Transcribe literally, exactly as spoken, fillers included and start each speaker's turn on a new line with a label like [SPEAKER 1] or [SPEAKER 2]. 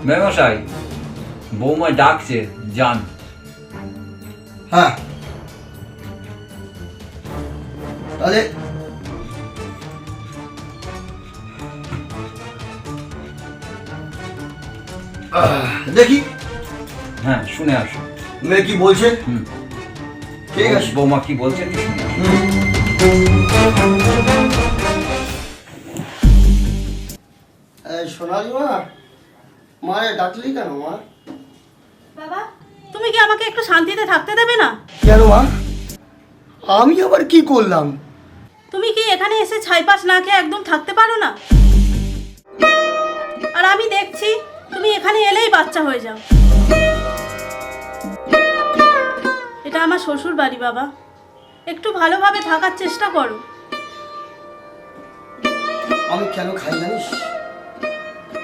[SPEAKER 1] মেমশাই, বৌমা ডাকছে, যান।
[SPEAKER 2] হ্যাঁ, তাহলে দেখি
[SPEAKER 1] হ্যাঁ, শুনে আসো।
[SPEAKER 2] মেয়ে কি বলছে।
[SPEAKER 1] হুম,
[SPEAKER 2] ঠিক আছে।
[SPEAKER 1] বৌমা কি বলছে কি শুনে আসো।
[SPEAKER 2] সোনালি মা, মারে ডাকলি কেন মা?
[SPEAKER 3] বাবা, তুমি কি আমাকে একটু শান্তিতে থাকতে দেবে না?
[SPEAKER 2] কেন মা? আমি আবার কি করলাম?
[SPEAKER 3] তুমি কি এখানে এসে ছাইপাশ না খেয়ে একদম থাকতে পারো না? আর আমি দেখছি তুমি এখানে এলেই বাচ্চা হয়ে যাও। এটা আমার শ্বশুর বাড়ি বাবা, একটু ভালোভাবে থাকার চেষ্টা করো।
[SPEAKER 2] আমি কেন খাই জানিস?